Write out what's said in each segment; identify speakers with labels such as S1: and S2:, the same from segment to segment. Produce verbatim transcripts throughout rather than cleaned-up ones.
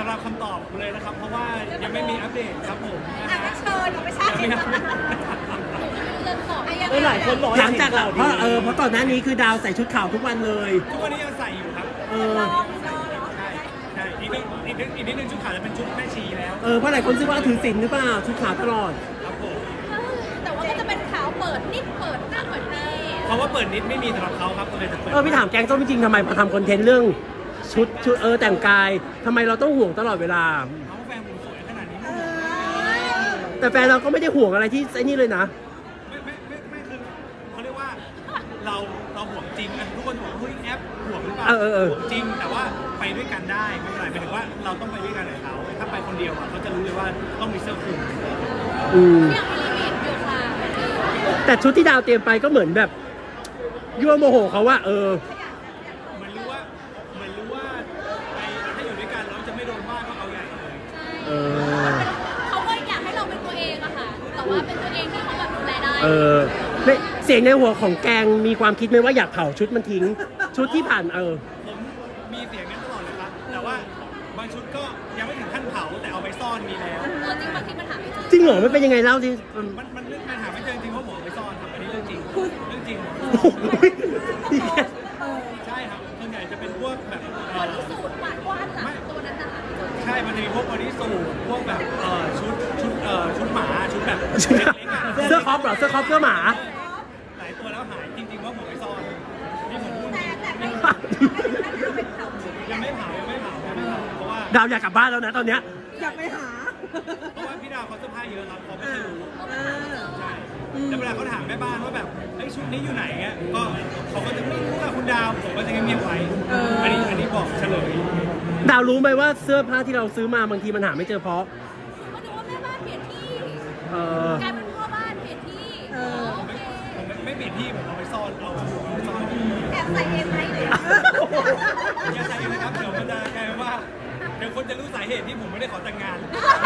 S1: รับคำตอบเลยนะครับเพราะว่ายังไม่มีอัปเดตครับผม
S2: อ่ะก็เชิญไม่ใช่
S1: ยังไม่มี
S3: เออหลายคนบอกหลังจากเราเพราะเออเพราะก่อนหน้านี้คือดาวใส่ชุดขาวทุกวันเลย
S1: ทุกวันนี้ยังใส่อยู่ครับ
S3: เออ
S2: ลองลองเหรอ
S1: ใช่ใช่อีกนิดอีกนิดอีกนิดนึงชุดขาวจะเป็นชุดแม่ชีแล้ว
S3: เออเพราะหลายคนคิดว่าถือศีลหรือเปล่าชุดขาวตลอด
S1: ครับผม
S2: แต่ว่าก็จะเป็นขาวเปิดนิดเปิดหน้าเปิดนี่
S1: เพราะว่าเปิดนิดไม่มีสำหรับเขาครับก็เลยจะเปิด
S3: เออพี่ถามแกงส้มจริงๆทำไมมาทำคอนเทนต์เรื่องชุดชุดเออแต่งกายทำไมเราต้องห่วงตลอดเวลา
S1: เขาแฟนผมสวยขนาดนี้
S2: เอ
S1: ไม่
S2: อ
S3: แต่แฟนเราก็ไม่ได้ห่วงอะไรที่ไอ้นี่เลยนะ
S1: ไม่ไม่ไม่ไม่คือเขาเรียกว่าเราเราห่วงจริงนะทุกคนบอกเฮ้ยแอปห่วงหรือเปล่า
S3: เออเออเออ
S1: ห่วงจริงแต่ว่าไปด้วยกันได้ไม่เป็นไรหมายถึงว่าเราต้องไปด้วยกันกับเขาถ้าไปคนเดียวอะเขาจะรู้เลยว่าต้องมีเสื้อคลุม
S3: อืม
S2: อย่างมีลิมิตอยู่ค่ะ
S3: แต่ชุดที่ดาวเตรียมไปก็เหมือนแบบยั่วโมโหเขาว่าเออ
S1: เหมือนรู้ว่าเหมือนรู้ว่าไปถ้าอยู่ด้วยกันเราจะไม่โดนว่าก็เอาใหญ่เลย
S3: เออ
S2: เขาก็อยากให้เราเป็นตัวเองอะค่ะ แต่ว่าเป็นตัวเองที่เขาแบบดูแลได้
S3: เออไม่เสียงในหัวของแกงมีความคิดไหมว่าอยากเผาชุดมันทิ้ง ชุดที่ผ่านเออ
S1: ผมมีเสียงนั้นตลอดเลยครับแต่ว่าบางชุดก็ยังไม่ถึงขั้นเผาแต่เอาไปซ่อนมีแล้ว
S2: เออจริงบางทีมันหาไม่เจอ
S3: จริงเหรอมันเป็นยังไงเล่าดิอืม
S1: มันมันเรื่องปัญหาไม่เจอจริงเพราะผมเอาไปซ่อนครับอันนี้เรื่องจริงเรื่องจริง
S3: โอ้โห
S1: ใช่ครับส่วนใหญ่จะเป็นพวกแบบเอ่
S2: วั
S1: อน
S2: ที่สูตรหวานกว้านหลังตัวนั้นน่ะ
S1: ใช่มันจะมีพวกบอดี้สูทพวกแบบเอ่อชุดชุดเอ่อชุดหมาชุดแบบเล็กๆอะ
S3: เสื้อคอปเหรอเสื้อคอปเสื้อหมา
S1: หลายตัวแล้วหายจริงๆว่าผมไปซ่อนนี่ผมพูด
S2: แต่แต่ไม่
S1: ยังไม่เผายังไม่เผายังไม่เผาเพราะว่า
S3: ดาวอยากกลับบ้านแล้วนะตอนเนี้ย
S4: อยากไปหา
S1: เพราะว่าพี่ดาวเขาเสื้อผ้าเยอะครับเขาไม่เคยรู้
S4: อ่า
S1: ใช่แล้วเวลาเขาถามแม่บ้านว่าแบบเฮ้ยชุดนี้อยู่ไหนเงี้ยก็เขาก็จะไม่รู้ค่ะคุณดาวผมก็จะเงียบๆไว้อันนี้อันนี้บอกเฉลย
S3: ดาวรู้ไหมว่าเสื้อผ้าที่เราซื้อมาบางทีมันหาไม่เจอเพราะ
S2: ก็ดูว่าแม่บ้านเปลี่ยนที่
S3: เออก
S2: ลายเป็นพ่อบ้านเปลี่ยนที่เออโอเค
S1: ผมไม่ไม่เปลี่ยนที่ผมเอาไปซ่อนเอาเอาไปซ่อน
S2: แอบใส่เองไหมหรือ
S1: อย่าใส่เลยนะครับเดี๋ยวมันจะกลายเป็นว่าเดี๋ยวคนจะรู้สาเหตุที่ผมไม่ได้ขอแต่งงาน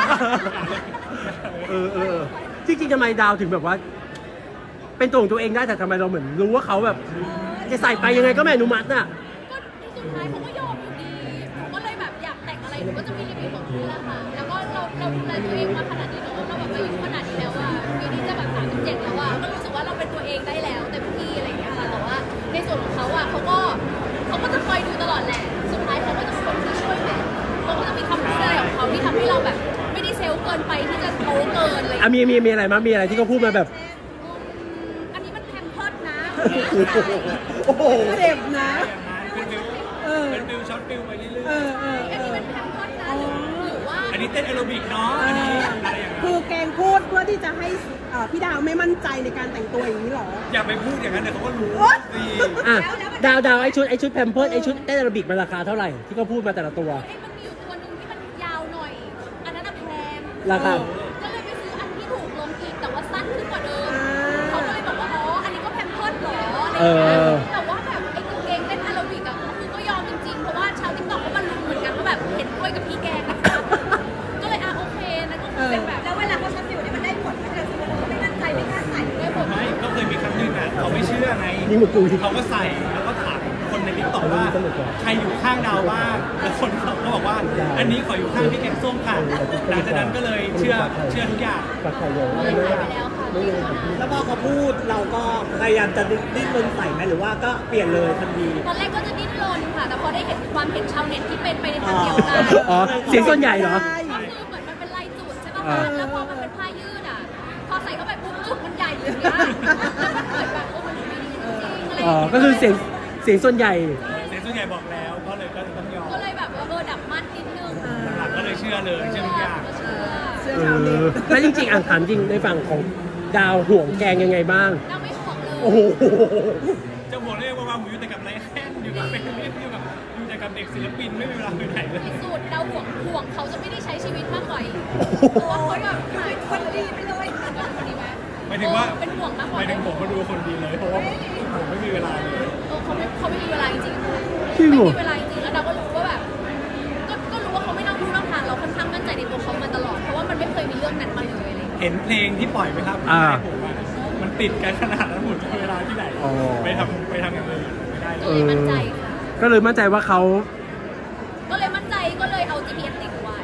S3: เออเออเออจริงๆทำไมดาวถึงแบบว่า เป็นตัวของตัวเองได้แต่ทำไมเราเหมือนรู้ว่าเขาแบบ จะใส่ไปยังไงก็ไม่อนุมัติน่ะ
S2: ก็สุดท้ายเขาก็ยอมอยู่ดีหนูก็เลยแบบอยากแต่งอะไรหนูก็จะมีลิมิตของหนูแหละค่ะ แล้วก็เราเราดูแลตัวเองมาขนาดนี้เนอะเราแบบอายุขนาดนี้แล้วอะปีนี้จะแบบสามสิบเจ็ดแล้วอะก็รู้สึกว่าเราเป็นตัวเองได้แล้วเต็มที่อะไรอย่างเงี้ยค่ะ แต่ว่าในส่วนของเขาอะเขาก็เขาก็จะคอยดูตลอดแหละ สุดท้ายเขาก็จะเป็นคนที่ช่วยแหละเขาก็จะมีคำพูดอะไรของเขาที่ทำให้เราแบบ ไม่ได้เซลล์เกินไปที่จะโตเกินอะไรอย่าง
S3: อ่ะ
S2: เงี้ย
S3: มีมีมีอะไรมั้ยมีอะไรที่เขาพูดมาแบบ
S2: อันนี้มันแพมเพิร์ดนะ
S3: โอ้โห
S4: เจ็บนะ
S1: เป็นฟิล
S4: เออ
S1: เป็นฟิลช็อตฟิลไปเรื่
S4: เอ
S1: อย
S4: อเออ
S2: อันนี้มันแพมเพิร์ดนะหรือหรือว่า
S1: ๆอันนี้เต้นแอโรบิกเนาะอันนี้อะไรอย่างเงี้ย
S4: คือแกงพูดเพื่อที่จะให้เอ่อพี่ดาวไม่มั่นใจในการแต่งตัวอย่างนี้เหรอ
S1: อย่าไปพูดอย่างนั้นเดี๋ยวเขาก็รู้สิ
S3: อ่ะดาวดาวไอชุดไอชุดแพมเพิร์ดไอชุดเต้นแอโรบิกมันราคาเท่าไหร่ที่เขาพูดมาแต่ละตัว
S2: ไอ้มันมีอยู่ตัวหนึ่งที่มันยาวหน่อย อันนั้นอะแพง
S3: ราคา
S2: ก็เลยไปซื้ออันที่ถูกลงอีกแต่ว่าสั้นขึ้นกว่าเดิม เขาก็เลยบอกว่า อ๋อ อันนี้ก็แพมเพิร์ดเหรออะไรอย่างเงี้ยแต่ว่าแบบไอ้กางเกงเต้นแอโรบิกอะคือก็ยอมจริงๆ เพราะว่าชาวติ๊กต็อกก็มาลุ้นเหมือนกันว่าแบบเห็นด้วยกับพี่แกงนะคะก็เลยอ่ะโอเคนั่นก็คือเป็นแบบ แล้วเวลาเขาช็อตฟิวเนี่ยมันได้ผลไหมเราซื้อแล้วเขาไม่มั่นใจไม่กล้าใส่ได้ผล
S1: ไม่ก็เคยมีครั้งหนึ่งอ่ะเขาไม่เชื่อไง
S3: นี่หมดกูที่
S1: เขาก็ใส่แล้วก็ถามคนในติ๊กต็อกว่าใครอยู่ข้างดาวบ้างแล้วคนเขาก็บอกว่า อันนี้ขออยู่ข้างพี่แกงส้มค่ะหลังจากนั้นก็เลยเชื่อเชื่อทุกอย่าง
S3: ฝากไข่เยอะ
S2: เลยใส่ไปแล้วค่ะเลย
S5: แล้วพอเขาพูดเราก็พยายามจะดิ้นรนใส่ไหมหรือว่าก็เปลี่ยนเลยทันที
S2: ตอนแรกก็จะดิ้นรนค่ะ แต่พอได้เห็นความเห็นชาวเน็ตที่เป็นไปในทางเดียวกัน
S3: อ๋อเสียงส่วนใหญ่เหรอ
S2: ก็คือเหมือนมันเป็นลายจุดใช่ป่ะคะแล้วพอมันเป็นผ้ายืดอ่ะ พอใส่เข้าไปปุ๊บจุดมันใหญ่อย่างเงี้ยแล้วมันเหมือนแบบโอ้มันไม่ดีจริงๆอะไรอ
S3: อ๋อย่าง
S2: เงี้ย
S3: ก็คือเสียงเสียงส่วนใหญ่
S1: เสียงส่วนใหญ่บอกแล้วก็เลยก็ต้องยอม
S2: ก็เลยแบบว่าเออดับมั่นนิดนึง
S1: หลังๆก็เลยเชื่อเลยเชื่อทุกอย่าง
S2: ก็เชื่อ
S4: เสื้อ
S3: เอ
S4: ชาวเน็ต
S3: อแล้วจริงๆอ่านถามจริงในฝั่งของดาวห่วงแกงยังไงบ้าง
S2: เราไม่ห่วงเลย
S3: โอ้โห
S1: จะบอกเลยว่าผมอยู่แต่กับไรแค่นอยู่กับเป็นอยู่กับอยู่แต่กับเด็กศิลปินไม่มีเวลาไปไหนเลย
S2: ที่สุดเราห่วงห่วงเขาจะไม่ได้ใช้ชีวิตมากกว่าอีกเพราะว่าเขาแบบหายคนดีไปเลยคนดีไหม
S1: หมายถึงว่า
S2: เป็นห่วงมากก
S1: ห
S2: ว่า
S1: มายถึงผมมาดูคนดีเลยเพราะว่าผมไม่มีเวลาเลย
S2: เออเขาไม่เขาไม่มีเวลาจริงๆค่ะ
S3: จริงเหรอ
S2: ไม่มีเวลาจริงๆแล้วเราก็รู้ว่าแบบก็ก็รู้ว่าเขาไม่นอกรู้นอกทางเราค่อนข้างมั่นใจในตัวเขามาตลอดเพราะว่ามันไม่เคยมีเรื่องนั้นมาเลยอะไรอย่างเงี้ย
S1: เห็นเพลงที่ปล่อยไหมครับ
S3: อ่า
S1: ผมอะมันติดกันขนาดนั้นผมจะมีเวลาที่ไหน
S3: อ๋อ
S1: ไปทำไปทำอย่างอื่นไม่ได้เล
S2: ก็
S1: ย
S2: เลยมั่นใจค่ะ
S3: ก็เลยมั่นใจว่าเขา
S2: ก็เลยมั่นใจก็เลยเอา จี พี เอส ติดไว้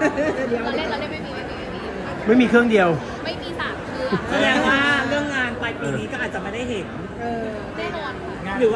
S4: เดี๋ยว
S2: เราเล่นเราเล่นไม่มีไม่มีไม่มี
S3: ไม่มีเครื่องเดียว
S2: ไม่มีสามเครื่อง
S5: แสดงว่าเรื่องงานปลายปีนี้ก็อาจจะไม่ได้เห็น
S4: เออ
S2: แน่นอนค่ะ
S1: งาน
S5: หรือว่า